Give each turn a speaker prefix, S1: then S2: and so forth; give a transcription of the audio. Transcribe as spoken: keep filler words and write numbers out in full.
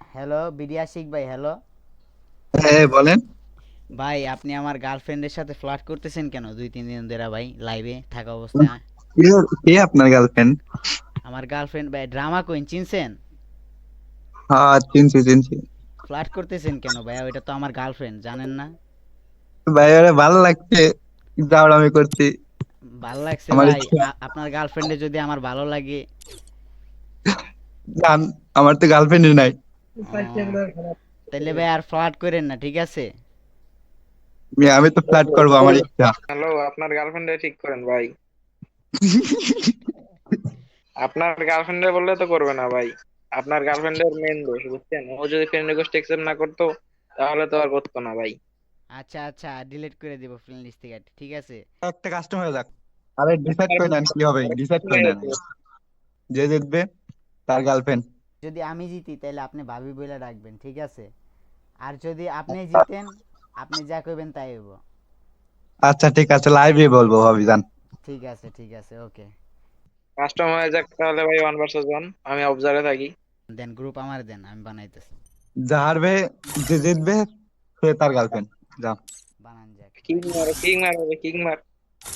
S1: Hello BD Ashiq ভাই, hello.
S2: হ্যাঁ বলেন।
S1: ভাই আপনি আমার গার্লফ্রেন্ডের সাথে ফ্লার্ট করতেছেন কেন দুই তিন দিন ধরে ভাই, লাইভে থাকা অবস্থায়?
S2: কে কে আপনার গার্লফ্রেন্ড?
S1: আমার গার্লফ্রেন্ড ভাই, ড্রামা কুইন চিনছেন?
S2: হ্যাঁ, চিনছি চিনছি।
S1: ফ্লার্ট করতেছেন কেন ভাই? ওইটা তো আমার গার্লফ্রেন্ড, জানেন না?
S2: ভাই ওরে ভালো লাগছে, জাউড়ামি করছি।
S1: ভাল লাগছে
S2: আমার
S1: ভাই?
S2: ইচ্ছা।
S1: আ- আপনার গার্লফ্রেন্ডে যদি আমার ভালো লাগে।
S2: জান, আমার তো গার্লফ্রেন্ডই নাই।
S1: ও, তাইলে ভাই আর ফ্লার্ট করেন না, ঠিক আছে?
S2: আমি আমি তো ফ্লার্ট করবো, আমার ইচ্ছা।
S3: হ্যালো, আপনার গার্লফ্রেন্ডে ঠিক করেন ভাই। আপনার গার্লফ্রেন্ডে বললে তো করবে না ভাই। আপনার গার্লফ্রেন্ডের মেন দোষ, বুঝছেন? ও যদি ফ্রেন্ড রিকোয়েস্ট অ্যাকসেপ্ট না করতো, তাহলে তো আর করতো না ভাই।
S1: আচ্ছা আচ্ছা, ডিলিট করে দিব ফ্রেন্ড লিস্ট থেকে, ঠিক আছে?
S2: একটা কাস্টম হয়ে যাক। আরে ডিসাইড করে নেন কি হবে, ডিসাইড করে নেন। যে জিতবে তার গার্লফ্রেন্ড।
S1: যদি আমি জিতি তাহলে আপনি ভাবি বলে ডাকবেন, ঠিক আছে? আর যদি আপনি জিতেন, আপনি যা কইবেন তাই হইব।
S2: আচ্ছা ঠিক আছে, লাইভে বলবো ভাবি জান।
S1: ঠিক আছে ঠিক আছে, ওকে।
S3: কাস্টম হয়ে যাক তাহলে ভাই, ওয়ান ভার্সেস ওয়ান। আমি অবজারে থাকি।
S1: দেন গ্রুপ আমার দেন, আমি বানাইতেছি।
S2: যা হারবে, যে জিতবে সে তার গার্লফ্রেন্ড। যা।
S1: বানান যাক।
S3: কিং মার, কিং মার, কিং মার।